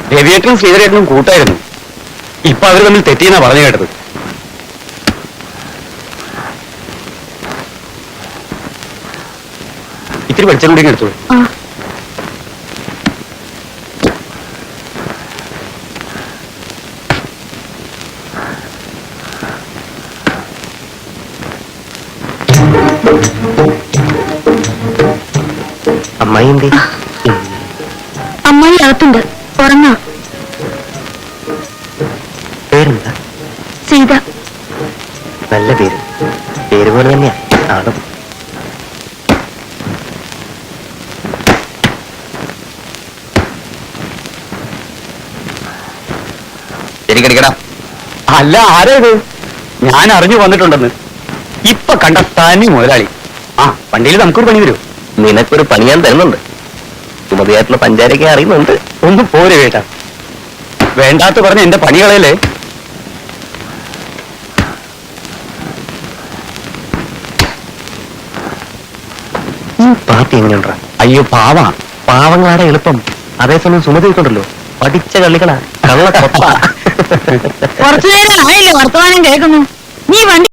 രവിയേട്ടനും ശ്രീധരേട്ടനും കൂട്ടായിരുന്നു. ഇപ്പൊ അവർ തമ്മിൽ തെറ്റിയെന്നാ പറഞ്ഞു കേട്ടത്. ഇത്തിരി വെളിച്ചം കൂടി എടുത്തോളൂ. അമ്മായി എന്ത്? അമ്മായി അകത്തുണ്ട്, ഉറങ്ങാ. പേരെന്താ? സീത. നല്ല പേര്. പേര് പോലെ തന്നെയാ ആളും. ശരിക്കടിക്കടാ. അല്ല, ആരാ ഇത്? ഞാൻ അറിഞ്ഞു വന്നിട്ടുണ്ടെന്ന്. ഇപ്പൊ കണ്ട തനി മുതലാളി. ആ വണ്ടിയിൽ നമുക്കൊരു പണി വരൂ. നിനക്കൊരു പണി ഞാൻ തരുന്നുണ്ട്. സുമതിയായിട്ടുള്ള പഞ്ചാരൊക്കെ അറിയുന്നുണ്ട്. ഒന്ന് പോരെ കേട്ടാ. വേണ്ടാത്ത പറഞ്ഞ എന്റെ പണികളല്ലേ. പാർട്ടി എങ്ങനെയുണ്ടാ? അയ്യോ പാവാ. പാവങ്ങളാടെ എളുപ്പം. അതേസമയം സുമതിക്കുണ്ടല്ലോ പഠിച്ച കളികളാ. കള്ള കൊത്ത. കുറച്ചു നേരം ആയില്ലേ വർത്തമാനം കേൾക്കുന്നു. നീ വണ്ടി